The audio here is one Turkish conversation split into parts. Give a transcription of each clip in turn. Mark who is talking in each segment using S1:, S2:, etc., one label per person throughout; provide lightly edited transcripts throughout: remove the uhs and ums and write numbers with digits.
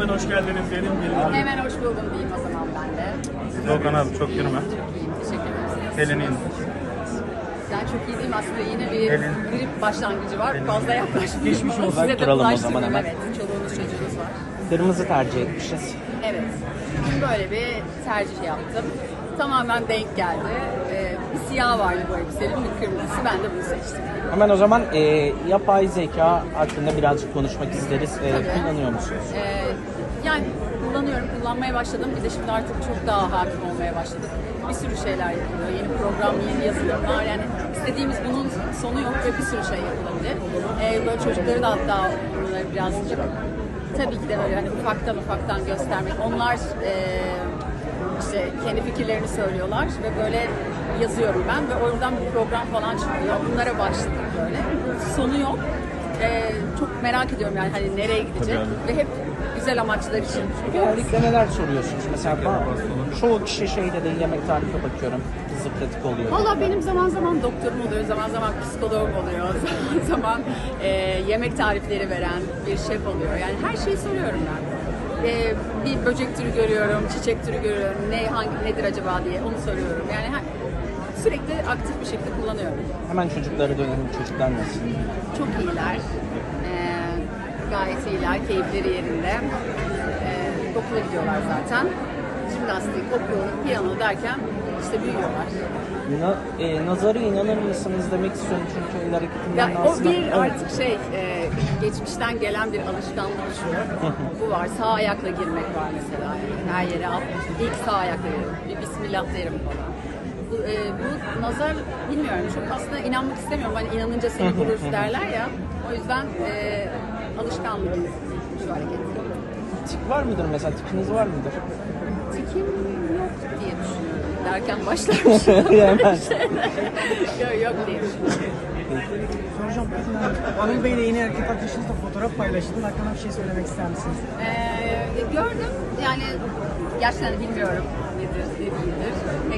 S1: Hemen hoş geldiniz diyelim.
S2: Hemen hoş buldum diyeyim o zaman ben de.
S1: Doğukan abi çok yürüme.
S2: Çok iyiyim, teşekkür ederim.
S1: Elini indir.
S2: Yani çok iyi değilim aslında, yine bir grip başlangıcı var. Fazla yaklaşmayayım.
S3: Geçmiş olsun.
S2: Size de
S3: Duralım o
S2: bulaştırmayayım.
S3: zaman hemen.
S2: Evet, çoluğunuz çocuğunuz var.
S3: Kırmızı tercih etmişiz.
S2: Evet, bugün böyle bir tercih yaptım. Tamamen denk geldi. Bir siyah vardı bu elbisenin, bir kırmızısı. Ben de bunu seçtim.
S3: Hemen o zaman yapay zeka hakkında birazcık konuşmak isteriz. Kullanıyor musunuz?
S2: Yani kullanmaya başladım. Bir de şimdi artık çok daha hakim olmaya başladık. Bir sürü şeyler yapılıyor. Yeni program, yeni yazılımlar. Yani istediğimiz bunun sonu yok ve bir sürü şey yapılabilir. Böyle çocukları da hatta bunları birazcık tabii ki de böyle hani ufaktan göstermek. Onlar işte kendi fikirlerini söylüyorlar ve böyle yazıyorum ben ve oradan bir program falan çıkıyor. Bunlara başladık böyle. Sonu yok. Çok merak ediyorum yani hani nereye gidecek ve hep güzel amaçlar için.
S3: Genellikle neler soruyorsunuz? Mesela çoğu kişi şeyde de yemek tarifi bakıyorum. Hızlı pratik oluyor.
S2: Valla benim zaman zaman doktorum oluyor, zaman zaman psikologum oluyor, zaman zaman yemek tarifleri veren bir şef oluyor. Yani her şeyi soruyorum ben. Bir böcek türü görüyorum, çiçek türü görüyorum, nedir acaba diye onu soruyorum. Yani sürekli aktif bir şekilde kullanıyorum.
S3: Hemen çocuklara dönelim. Çocuklar nasıl?
S2: Çok iyiler. Gayet iyiler, keyifleri yerinde. Okula gidiyorlar zaten. Jimnastik, okul, piyano derken işte büyüyorlar.
S3: Nazara inanır mısınız demek istiyorum çünkü el
S2: Ya,
S3: hareketinden
S2: o
S3: aslında...
S2: bir artık geçmişten gelen bir alışkanlık şu. Bu var, sağ ayakla girmek var mesela. Yani her yere ilk sağ ayakla girerim, bir bismillah derim falan. Bu nazar bilmiyorum, çok aslında inanmak istemiyorum. Hani inanınca seni bulur derler ya. O yüzden alışkanlık şu hareket.
S3: Tik var mıdır mesela? Tikiniz var mıdır?
S2: Tikim yok diye düşünüyorum. Derken başlarmış. yok diye düşünüyorum.
S4: Soracağım. Anıl Bey ile yeni erkek arkadaşınızla fotoğraf paylaştınız. Hakkında bir şey söylemek ister misiniz?
S2: Gördüm. Yani gerçekten de bilmiyorum nedir, ne değildir.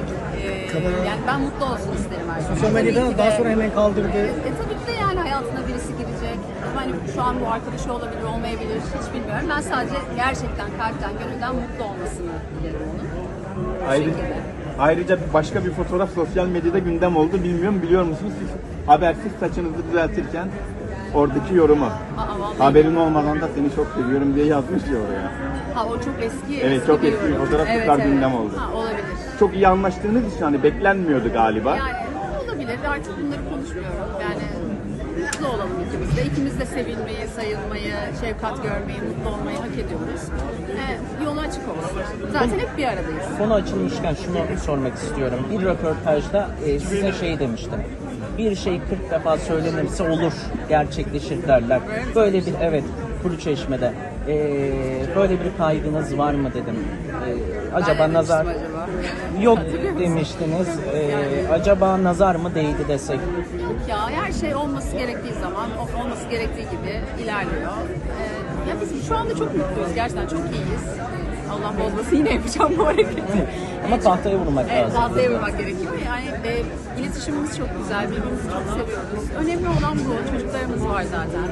S2: Yani ben mutlu olsun isterim her zaman.
S4: Sosyal medyada
S2: Tabii ki
S4: daha
S2: de-
S4: sonra hemen kaldırdı.
S2: Tabii ki de yani hayatına birisi girecek. Hani şu an bu arkadaşı olabilir, olmayabilir. Hiç bilmiyorum. Ben sadece gerçekten kalpten, gönülden mutlu olmasını dilerim onun. Bu şekilde.
S5: Ayrıca başka bir fotoğraf sosyal medyada gündem oldu. Bilmiyorum, biliyor musunuz? Siz habersiz saçınızı düzeltirken oradaki yorumu.
S2: Vallahi.
S5: Haberin olmadan da seni çok seviyorum diye yazmış ya oraya.
S2: Ha, o çok eski.
S5: Evet, çok eski bir
S2: yorum.
S5: fotoğraf tekrar gündem oldu.
S2: Ha, olabilir.
S5: Çok iyi anlaştığınız için hani beklenmiyordu galiba.
S2: Yani olabilir. Artık bunları konuşmuyorum. Yani mutlu olalım ikimiz de. İkimiz de sevilmeyi, sayılmayı, şefkat görmeyi, mutlu olmayı hak ediyoruz. Yolu açık olsun. Zaten hep bir aradayız.
S3: Konu açılmışken şunu sormak istiyorum. Bir röportajda size şey demiştim. Bir şey 40 defa söylenirse olur, gerçekleşir derler. Böyle bir Kuruçeşme'de böyle bir kaygınız var mı dedim. Acaba
S2: Ben
S3: nazar
S2: demiştim acaba.
S3: yok
S2: Hatırlıyor musun?
S3: demiştiniz. Acaba nazar mı değdi desek?
S2: Ya her şey olması gerektiği zaman, olması gerektiği gibi ilerliyor. Ya biz şu anda çok mutluyuz. Gerçekten çok iyiyiz. Allah bozmasın, yine yapacağım bu hareketi.
S3: Ama tahtaya vurmak
S2: Evet,
S3: lazım.
S2: tahtaya vurmak gerekiyor. Yani iletişimimiz çok güzel, birbirimizi çok seviyoruz. Önemli olan bu. Çocuklarımız var zaten.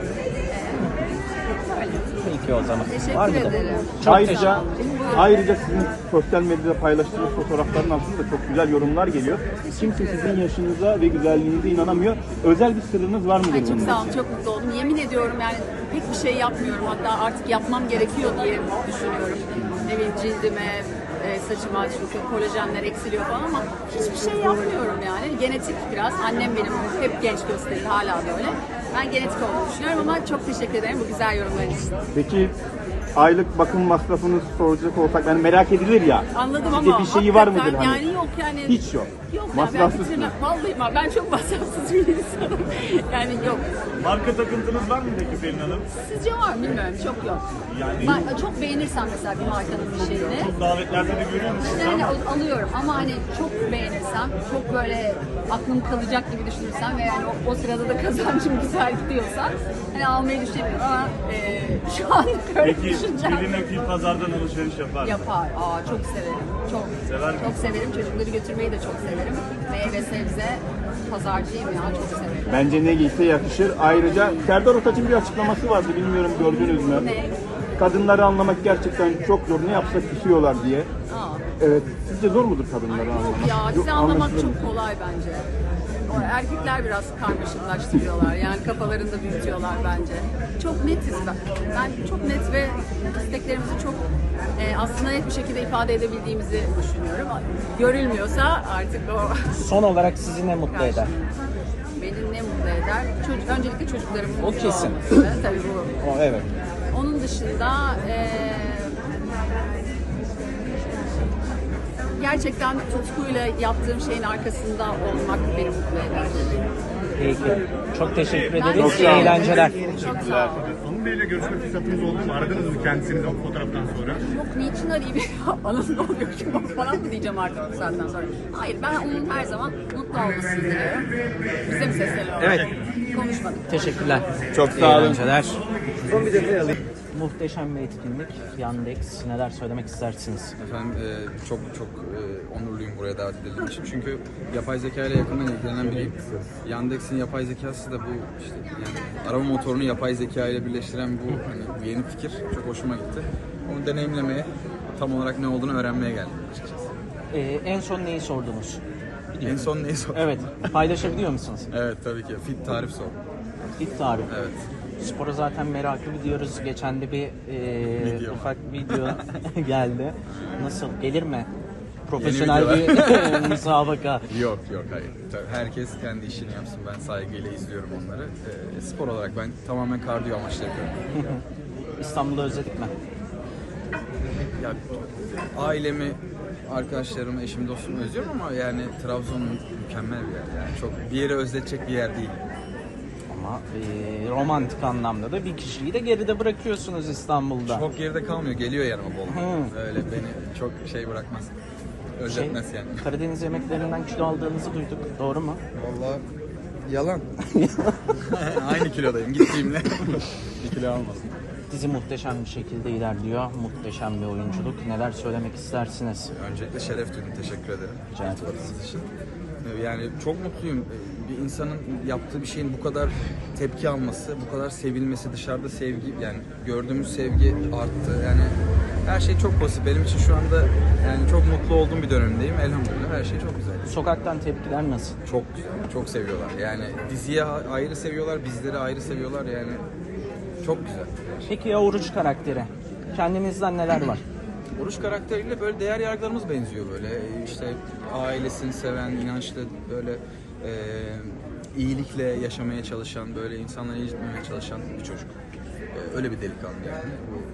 S2: Öyle.
S3: Peki o zaman.
S2: Teşekkür
S3: Var mıdır?
S2: ederim.
S3: Çok
S5: Ayrıca sizin sosyal medyada paylaştığınız fotoğrafların altında çok güzel yorumlar geliyor. Kimse sizin yaşınıza ve güzelliğinize inanamıyor. Özel bir sırrınız var mıdır
S2: Ay, çok
S5: bunun
S2: sağ olun,
S5: için?
S2: çok mutlu oldum. Yemin ediyorum yani pek bir şey yapmıyorum. Hatta artık yapmam gerekiyor diye düşünüyorum. Ne bileyim, cildime, saçıma çünkü kolajenler eksiliyor falan ama hiçbir şey yapmıyorum yani. Genetik biraz. Annem benim hep genç gösterir, hala böyle. Ben genetik olduğunu düşünüyorum ama çok teşekkür ederim bu güzel yorumlar için.
S5: Peki aylık bakım masrafınızı soracak olsak, yani merak edilir ya.
S2: Anladım
S5: Size
S2: ama
S5: bir şeyi var mıdır
S2: hakikaten
S5: hani?
S2: yani yok yani.
S5: Hiç yok.
S2: Yok ya,
S5: Masrafsızsınız.
S2: vallahi ben çok masrafsız bir insanım. Yani yok.
S1: Marka takıntınız var mı peki Pelin Hanım?
S2: Sizce var mı bilmiyorum, çok yok.
S1: Yani-
S2: Ben çok beğenirsem mesela bir markanın bir şeyini.
S1: Çok davetlerde de görüyor musunuz
S2: Yani
S1: ama?
S2: alıyorum ama hani çok beğenirsem, çok böyle aklım kalacak gibi düşünürsem ve yani o sırada da kazancım güzel gidiyorsa hani almayı düşünemiyorum ama şu an böyle
S1: Peki
S2: düşüneceğim.
S1: Pelin Akil pazardan alışveriş yapar mı?
S2: Yapar. Çok severim. Çok.
S1: Sever
S2: Çok severim. Çocukları götürmeyi de çok severim. Meyve sebze pazarcıyım ya, çok severim.
S5: Bence ne giyse yakışır. Ayrıca Serdar Ortaç'ın bir açıklaması vardı. Bilmiyorum, gördünüz mü?
S2: Ne?
S5: kadınları anlamak gerçekten çok zor. Ne yapsak küsüyorlar diye.
S2: Aa.
S5: Evet. Sizce zor mudur kadınları anlamak?
S2: Ya bizi anlamak
S5: anlaşılır mı?
S2: çok kolay bence. O erkekler biraz karmaşıklaştırıyorlar. Yani kafalarında büyütüyorlar bence. Çok netiz ben. Ben çok net ve isteklerimizi çok aslında net bir şekilde ifade edebildiğimizi düşünüyorum. Görülmüyorsa artık o
S3: Son olarak sizi ne mutlu eder?
S2: beni ne mutlu eder? Öncelikle çocuklarımın
S3: O
S2: mutlu
S3: kesin.
S2: olması. Tabii bu.
S3: O evet.
S2: Onun dışında gerçekten tutkuyla yaptığım şeyin arkasında olmak beni mutlu eder.
S3: Peki. Çok teşekkür
S2: Ben
S3: ederiz.
S2: de-
S3: İyi eğlenceler.
S2: Çok sağ olun.
S6: Anıl Bey'le görüşme fırsatınız oldu mu? Aradınız mı kendisini o fotoğraftan sonra?
S2: Yok niçin arayayım? Anıl ne oluyor ki falan mı diyeceğim artık bu saatten sonra. Hayır ben onun her zaman mutlu olmasını diliyorum. Bize mi sesleniyor?
S3: Evet.
S2: Konuşmadık.
S3: Teşekkürler.
S5: Çok
S3: İyi
S5: sağ olun.
S3: eğlenceler. Son bir detay alayım. Muhteşem bir etkinlik. Yandex. Neler söylemek istersiniz?
S7: Efendim çok onurluyum buraya davet edildiğim için. Çünkü yapay zeka ile yakından ilgilenen biriyim. Yandex'in yapay zekası da bu işte yani arama motorunu yapay zeka ile birleştiren bu yeni fikir çok hoşuma gitti. Onu deneyimlemeye, tam olarak ne olduğunu öğrenmeye geldim açıkçası.
S3: En son neyi sordunuz?
S7: En son neyi sordun?
S3: Evet. Paylaşabiliyor musunuz?
S7: Evet tabii ki. Fit tarif sor.
S3: İlk tarif.
S7: Evet.
S3: Spora zaten meraklı gidiyoruz. Geçen de bir
S7: Video.
S3: ufak video geldi. Nasıl? Gelir mi? Profesyonel
S7: Yeni
S3: bir müsabaka.
S7: Yok hayır. Tabii herkes kendi işini yapsın. Ben saygıyla izliyorum onları. Spor olarak ben tamamen kardiyo amaçlı yapıyorum.
S3: İstanbul'u özledik mi?
S7: Ya ailemi, arkadaşlarımı, eşimi, dostumu özlüyorum ama yani Trabzon mükemmel bir yer. Yani çok bir yere özletecek bir yer değil.
S3: Ama romantik anlamda da bir kişiyi de geride bırakıyorsunuz İstanbul'da.
S7: Çok geride kalmıyor, geliyor yanıma bol. Öyle beni çok şey bırakmaz. Özletmez yani.
S3: Karadeniz yemeklerinden kilo aldığınızı duyduk. Doğru mu?
S7: Vallahi yalan. Aynı kilodayım gittiğimle. Bir kilo almadım.
S3: Dizi muhteşem bir şekilde ilerliyor. Muhteşem bir oyunculuk. Neler söylemek istersiniz?
S7: Öncelikle şeref duydum, teşekkür ederim.
S3: Rica ederim.
S7: İltifatınız için. Yani çok mutluyum. Bir insanın yaptığı bir şeyin bu kadar tepki alması, bu kadar sevilmesi, dışarıda sevgi, yani gördüğümüz sevgi arttı. Yani her şey çok pozitif. Benim için şu anda yani çok mutlu olduğum bir dönemdeyim. Elhamdülillah her şey çok güzel.
S3: Sokaktan tepkiler nasıl?
S7: Çok güzel, çok seviyorlar. Yani diziye ayrı seviyorlar, bizleri ayrı seviyorlar. Yani çok güzel.
S3: Peki ya Oruç karakteri? Kendinizden neler var?
S7: Oruç karakteriyle böyle değer yargılarımız benziyor böyle. İşte ailesini seven, inançlı, böyle iyilikle yaşamaya çalışan, böyle insanları incitmemeye çalışan bir çocuk. Öyle bir delikanlı yani.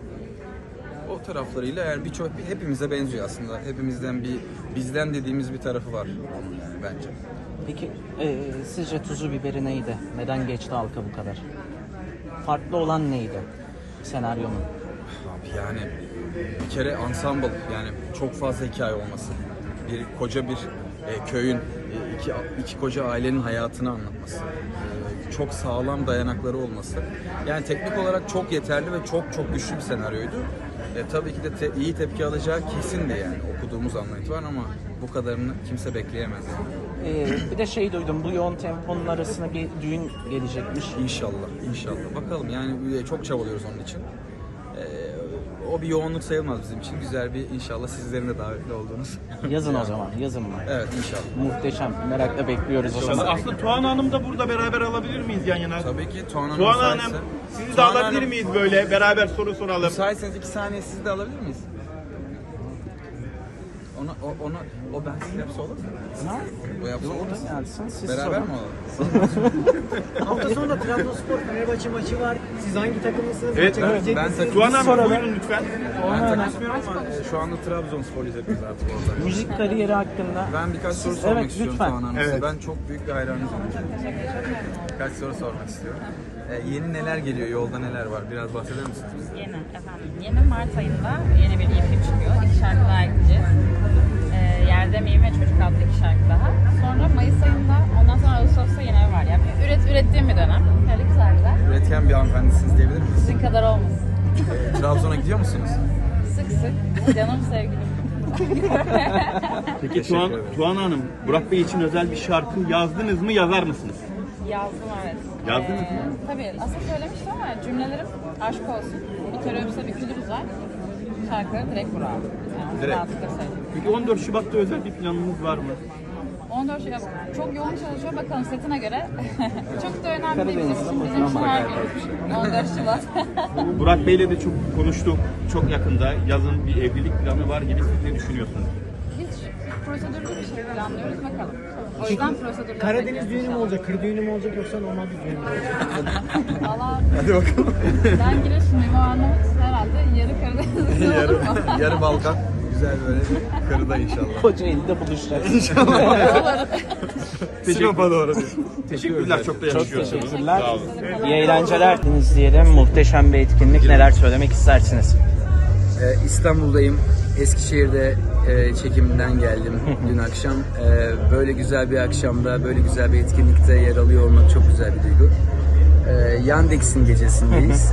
S7: O taraflarıyla yani birçok hepimize benziyor aslında. Hepimizden bizden dediğimiz bir tarafı var onun yani bence.
S3: Peki sizce tuzu biberi neydi? Neden geçti halka bu kadar? Farklı olan neydi senaryonun?
S7: Abi yani bir kere ensemble, yani çok fazla hikaye olması. Koca bir köyün, iki koca ailenin hayatını anlatması. Çok sağlam dayanakları olması. Yani teknik olarak çok yeterli ve çok güçlü bir senaryoydu. Tabii ki de iyi tepki alacağı kesindi yani, okuduğumuz andan itibaren, ama bu kadarını kimse bekleyemez.
S3: Bir de şey duydum, bu yoğun temponun arasına bir düğün gelecekmiş.
S7: İnşallah. Bakalım yani çok çabalıyoruz onun için. O bir yoğunluk sayılmaz bizim için. Güzel bir, inşallah sizlerin de davetli olduğunuz.
S3: Yazın o zaman, yazın mı?
S7: Evet, inşallah.
S3: Muhteşem, merakla bekliyoruz o zaman.
S1: Aslında Tuğan Hanım da burada beraber alabilir miyiz yan yana?
S7: Tabii ki Tuğan Hanım
S1: Tuğan Hanım,
S7: müsaitse.
S1: sizi de
S7: Tuğan
S1: alabilir
S7: Hanım,
S1: miyiz böyle? Beraber soru soralım.
S7: müsaitseniz 2 saniye sizi de alabilir miyiz? O ben siz yapsa olur mu?
S3: Ha?
S7: O yapsa olur mu?
S3: Gelsin, siz
S7: Beraber
S3: sorun.
S7: mi olalım?
S4: Hafta sonu da Trabzonspor Fenerbahçe maçı var. Siz hangi takımlısınız?
S7: Evet,
S4: Maça
S7: evet,
S4: gidecek
S7: ben
S4: misiniz?
S1: Tuğan Hanım
S3: soralım.
S1: buyurun lütfen.
S7: Ben takılmıyorum ama şu anda Trabzonsporluyuz hepimiz artık orada.
S3: Müzik kariyeri hakkında.
S7: Ben birkaç soru
S3: Siz-
S7: sormak
S3: evet,
S7: istiyorum
S3: lütfen.
S7: Tuğan Hanım.
S1: Evet.
S7: Ben çok büyük bir hayranınızım. Birkaç soru sormak istiyorum. Yeni neler geliyor, yolda neler var? Biraz bahseder misiniz bize?
S8: Yeni efendim. Yeni Mart ayında yeni bir EP çıkıyor. 2 şarkı daha ekleyeceğiz. Yerde Miyim ve Çocuk adlı 2 şarkı daha. Sonra Mayıs ayında, ondan sonra Ağustos'ta yeni ev var. Yani ürettiğim bir dönem. Böyle güzel.
S7: Üretken bir hanımefendisiniz diyebilir miyiz?
S8: Sizin kadar olmasın.
S7: Trabzon'a gidiyor musunuz?
S8: Sık sık. Canım sevgilim.
S1: Peki
S7: Teşekkür ederim.
S1: Tuğan Hanım, Burak Bey için özel bir şarkı yazdınız mı, yazar mısınız?
S8: Yazdım evet.
S1: Yazdınız mı?
S8: Tabii aslında söylemiştim ama cümlelerim Aşk olsun. Bir kere öpse bükülür güzel. Şarkıları direkt Burak'a. Yani
S1: Direkt.
S8: rahatlıkla söyledim.
S1: Peki 14 Şubat'ta özel bir planınız var mı?
S8: 14 Şubat çok yoğun çalışıyor. Bakalım setine göre. Çok da önemli değil bizim
S3: Karadeniz'de
S8: için.
S3: ama
S8: Bizim için her
S3: bayağı
S8: gün. 14 Şubat.
S1: Burak Bey'le de çok konuştuk. Çok yakında yazın bir evlilik planı var gibi, siz ne düşünüyorsunuz?
S8: Hiç prosedürlü bir şey planlıyoruz. Bakalım. O yüzden prosedürler.
S4: Karadeniz düğünü mü olacak, kır düğünü mü olacak yoksa normal bir düğün mü olacak?
S8: Valla. Hadi bakalım. Ben Giresunluyum. O Arnavut herhalde yarı Karadenizli olur mu?
S7: Yarı Balkan. Güzel böyle kırıda inşallah.
S3: Kocaeli'de buluşacağız.
S7: Sinop'a doğru.
S1: Teşekkürler, çok da
S3: Çok
S1: yakışıyorsunuz.
S3: teşekkürler.
S1: Sağ olun.
S3: İyi eğlenceler diyelim. Muhteşem bir etkinlik. Neler söylemek istersiniz?
S9: İstanbul'dayım. Eskişehir'de çekiminden geldim dün akşam. Böyle güzel bir akşamda, böyle güzel bir etkinlikte yer alıyor olmak çok güzel bir duygu. Yandex'in gecesindeyiz.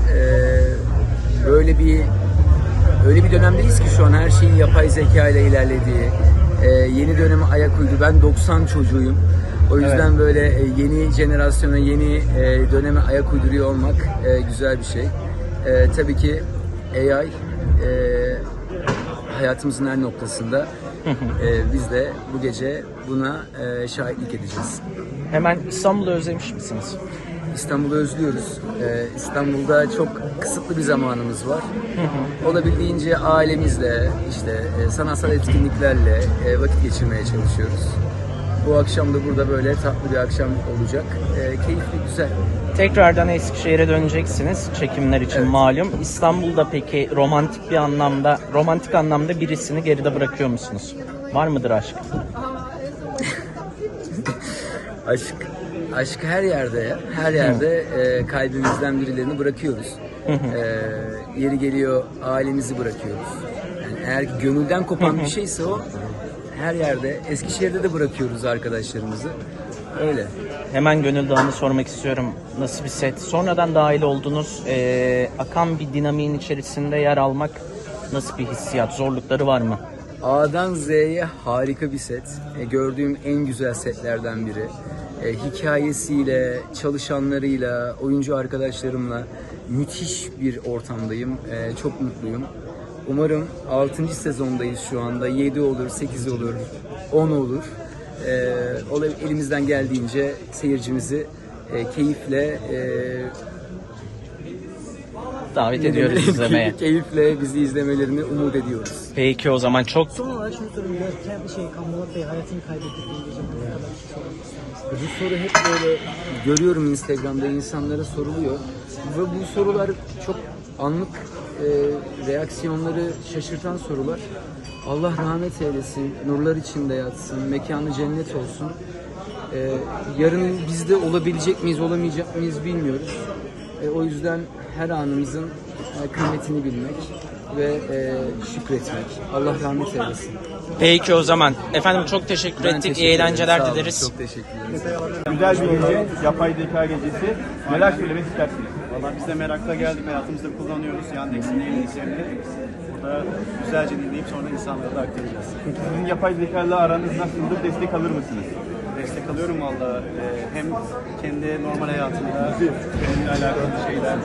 S9: Öyle bir dönemdeyiz ki şu an her şeyin yapay zeka ile ilerlediği, yeni döneme ayak uydu. Ben 90 çocuğuyum. O yüzden böyle yeni jenerasyona, yeni döneme ayak uyduruyor olmak güzel bir şey. Tabii ki AI hayatımızın her noktasında. Biz de bu gece buna şahitlik edeceğiz.
S3: Hemen İstanbul'u özlemiş misiniz?
S9: İstanbul'u özlüyoruz. İstanbul'da çok kısıtlı bir zamanımız var. Olabildiğince ailemizle, işte sanatsal etkinliklerle vakit geçirmeye çalışıyoruz. Bu akşam da burada böyle tatlı bir akşam olacak. Keyifli, güzel.
S3: Tekrardan Eskişehir'e döneceksiniz çekimler için malum. İstanbul'da peki romantik anlamda birisini geride bırakıyor musunuz? Var mıdır aşk?
S9: Aşk her yerde, her yerde kalbimizden birilerini bırakıyoruz. Yeri geliyor ailemizi bırakıyoruz. Yani eğer ki gönülden kopan bir şeyse o her yerde. Eskişehir'de de bırakıyoruz arkadaşlarımızı. Öyle.
S3: Hemen Gönül Dağı'nı sormak istiyorum. Nasıl bir set? Sonradan dahil oldunuz. Akan bir dinamiğin içerisinde yer almak nasıl bir hissiyat? Zorlukları var mı?
S9: A'dan Z'ye harika bir set. Gördüğüm en güzel setlerden biri. Hikayesiyle, çalışanlarıyla, oyuncu arkadaşlarımla müthiş bir ortamdayım. Çok mutluyum. Umarım 6. sezondayız şu anda. 7 olur, 8 olur, 10 olur. Elimizden geldiğince seyircimizi keyifle
S3: Davet ediyoruz izlemeye.
S9: keyifle bizi izlemelerini umut ediyoruz.
S3: Peki o zaman çok
S4: Son olarak şunu sorayım. Kambolat Bey hayatını kaybettiği gece bu kadar bir şey sormak ister misiniz?
S9: Bu soru hep böyle görüyorum Instagram'da insanlara soruluyor ve bu sorular çok anlık reaksiyonları şaşırtan sorular. Allah rahmet eylesin, nurlar içinde yatsın, mekanı cennet olsun. Yarın bizde olabilecek miyiz, olamayacak mıyız bilmiyoruz. O yüzden her anımızın kıymetini bilmek ve şükretmek. Allah rahmet eylesin.
S3: Peki o zaman. Efendim çok teşekkür
S9: Ben
S3: ettik.
S9: teşekkür
S3: İyi
S9: ederim.
S3: eğlenceler
S9: Sağ olun,
S3: dileriz.
S9: çok teşekkür ederim.
S5: Güzel bir gece, yapay zeka gecesi. Neler söylemek istersiniz?
S6: Valla biz de merakla geldik. Hayatımızda kullanıyoruz. Yandex'in yeniliklerini. Burada güzelce dinleyip sonra insanlara da aktaracağız.
S5: Peki sizin yapay zeka ile aranız nasıldır? Destek alır mısınız?
S6: Destek alıyorum valla. Hem kendi normal hayatımda, benimle alakalı şeylerde.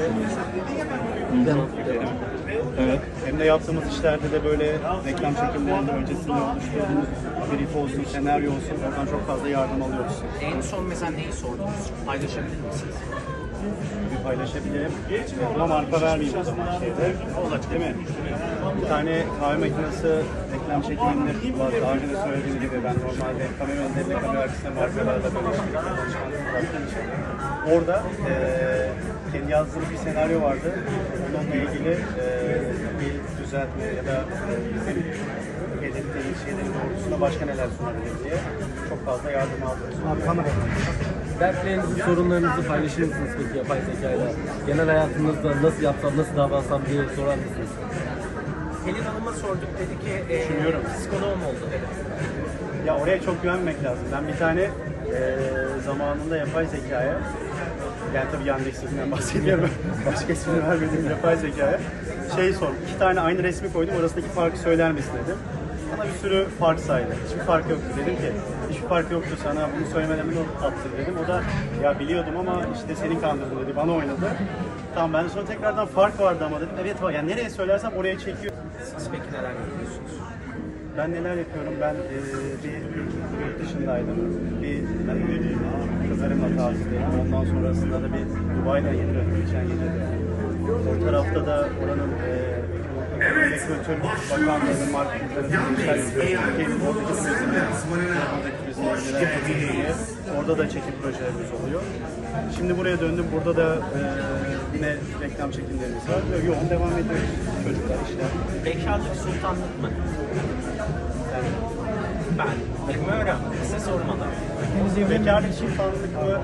S6: Evet. Hem de yaptığımız işlerde de böyle reklam çekimlerinde öncesinde oluşturduğumuz brief olsun, senaryo olsun. Oradan çok fazla yardım alıyoruz.
S3: En son mesela neyi sordunuz? Paylaşabilir misiniz?
S6: Bir paylaşabilirim. Buna marka vermeyeyim o zaman şeyde. Olacak değil mi? Bir tane kahve makinesi reklam çekiminde var. Daha önce de söylediğim gibi ben normalde kamera önlerinde, kamera arkasında markalarla böyle yaptığım için. Orada kendi yazdığım bir senaryo vardı. Onunla ilgili bir düzeltme ya da bizim belirttiğimiz şeylerin doğrultusunda başka neler sunabilir diye çok fazla yardım aldım.
S10: Dertlerinizi, sorunlarınızı paylaşır mısınız peki yapay zekayla? Genel hayatınızda nasıl yapsam, nasıl davransam diye sorar mısınız?
S3: Pelin Hanım'a sorduk, dedi ki
S6: Düşünüyorum.
S3: psikoloğum oldu dedi.
S6: Ya oraya çok güvenmemek lazım. Ben bir tane zamanında yapay zekaya, yani tabii Yandex'inden bahsediyorum, başka ismini vermediğim yapay zekaya sordum. 2 tane aynı resmi koydum, arasındaki farkı söyler misin dedim. Bana bir sürü fark saydı. Hiçbir fark yoktu. Dedim ki hiçbir fark yoktu, sana bunu söylemeden mi attın dedim. O da ya biliyordum ama işte seni kandırdım dedi. Bana oynadı. Tamam ben sonra tekrardan fark vardı ama dedim evet var. Yani nereye söylersem oraya çekiyor.
S3: Siz peki neler yapıyorsunuz?
S6: Ben neler yapıyorum? Ben bir yurt dışındaydım. Bir kızlarımla tatildeydim. Ondan sonrasında da bir Dubai'den yeni döndüm geçen gece de. O tarafta da oranın Kültür Bakanlığı'nın marketinglerinin Türkiye'nin oradaki turizmle orada da çekim projelerimiz oluyor. Şimdi buraya döndüm. Burada da yine reklam çekimlerimiz var. Yoğun devam ediyoruz çocuklar işler.
S3: Bekarlık sultanlık mı?
S6: Yani
S3: Ben bilmiyorum. Size sormalı.
S6: bekarlık sultanlık mı?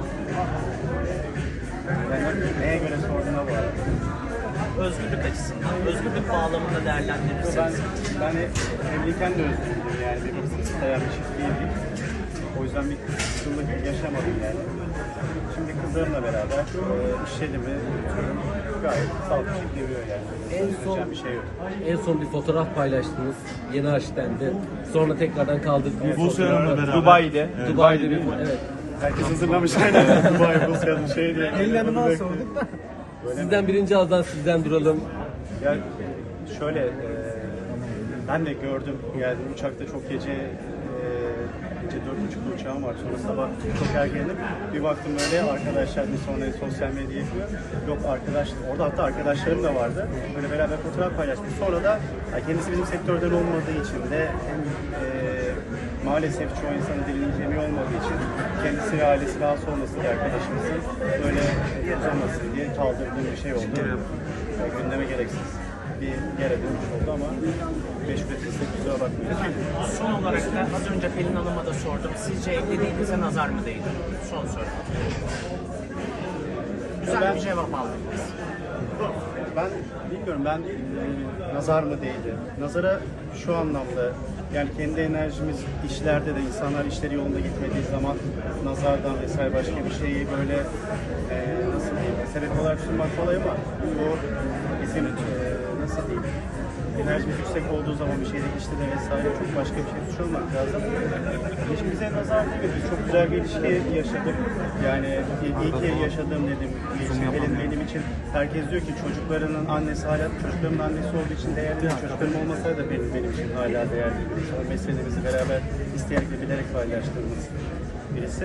S6: Yani neye göre sorduğuna bağlı.
S3: Özgürlük açısından, özgürlük bağlamında değerlendirirseniz.
S6: Ben evliyken de özgürlüğüm yani bir isteyen bir çift değildik. O yüzden bir kısımlık yaşamadım yani. Şimdi kızlarımla beraber işlerimi gayet sağlıklı şekilde yürüyor yani. Bir şey yok.
S10: En son bir fotoğraf paylaştınız. Yeni Aşten'de. Sonra tekrardan kaldırdınız.
S5: Buse Hanım'la beraber. Dubai'de.
S10: Dubai'de bir evet.
S6: Herkes hazırlamış aynen. Dubai Buse'nin şey diye.
S4: El yanıma sorduk da.
S10: Sizden birinci ağızdan sizden duralım.
S6: Yani şöyle ben de gördüm geldim uçakta çok gece 4.30'da uçağım var sonra sabah çok erkenim bir baktım böyle arkadaşlar bir sonra sosyal medya yapıyor yok arkadaş orada hatta arkadaşlarım da vardı böyle beraber fotoğraf paylaşmış sonra da kendisi bizim sektörden olmadığı için de hem maalesef çoğu insanın dilinin kemiği olmadığı için kendisi ve ailesi rahatsız olmasın diye arkadaşımızın böyle uzamasın diye kaldırdığım bir şey oldu. Gündeme gereksiz bir yere dönmüş oldu ama meşgul etsizse kusura bakmayın.
S3: Son olarak da az önce Pelin Hanım'a da sordum. Sizce evliliğinize nazar mı değdi? Son soru. Güzel bir cevap aldınız.
S6: Ben bilmiyorum ben nazar mı değdi? Nazara şu anlamda yani kendi enerjimiz işlerde de insanlar işleri yolunda gitmediği zaman nazardan vesaire başka bir şeyi böyle nasıl diyeyim sebep olarak sunmak kolay ama bu bizim nasıl diyeyim enerjimiz yüksek olduğu zaman bir şeyde işte de vesaire çok başka bir şey düşünmek lazım. Hiç bize nazar değmedi. Çok güzel bir ilişki yaşadık. Yani iyi ki yaşadığım dedim. Benim için herkes diyor ki çocuklarının annesi hala çocuklarımın annesi olduğu için değerli. Çocuklarım olmasaydı da benim için hala değerli. Meselemizi beraber isteyerek ve bilerek paylaştığımız birisi.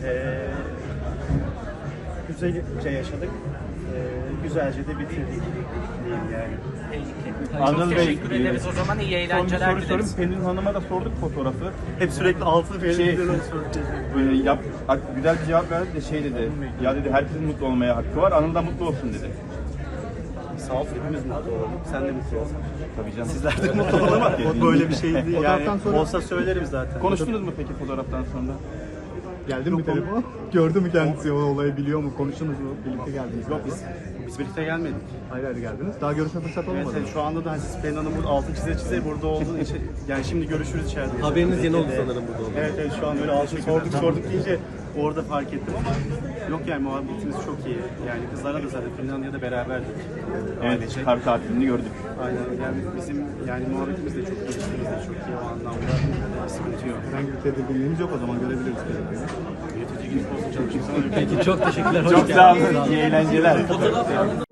S6: Güzelce yaşadık. Güzelce de bitirdik diyeyim yani.
S5: Anıl Bey,
S3: Teşekkür ederiz o zaman. İyi
S5: son bir
S3: eğlenceler
S5: soru sorayım.
S3: dileriz.
S5: Pelin Hanım'a da sorduk fotoğrafı.
S6: Hep sürekli altı
S5: Böyle güzel bir cevap verdi de şey dedi. Ya dedi herkesin mutlu olmaya hakkı var. Anıl da mutlu olsun dedi.
S6: Sağ ol, hepimiz mutlu olalım. Sen de mutlu olsun.
S5: Tabii canım.
S6: Sizler de mutlu olun ama o böyle bir şey değil yani. Olsa söylerim zaten.
S5: Konuştunuz mu peki fotoğraftan sonra?
S11: Geldi mi telefon? Gördü mü kendisi o olayı biliyor mu? Konuştunuz mu? Birlikte geldiniz.
S6: Yok biz birlikte gelmedik.
S11: Hayır hayır geldiniz. Daha görüşme fırsatı olmadı.
S6: Evet, şu anda da siz Pelin Hanım burada altın çize burada olduğu için yani şimdi görüşürüz içeride.
S10: Haberiniz yeni oldu sanırım burada oldu.
S6: Evet şu an böyle altın sorduk deyince orada fark ettim ama yok yani muhabbetimiz çok iyi. Yani kızlarla da zaten Pelin Hanım'la da beraberdik.
S5: Evet, kar tatilini gördük.
S6: Aynen yani bizim yani muhabbetimiz de çok iyi, ilişkimiz de çok iyi o anlamda sıkıntı yok.
S11: Herhangi bir tedirginliğimiz yok o zaman görebiliriz.
S6: Yönetici gibi olsun çalışıyorsanız
S10: Peki çok teşekkürler.
S5: Çok sağ olun. İyi eğlenceler.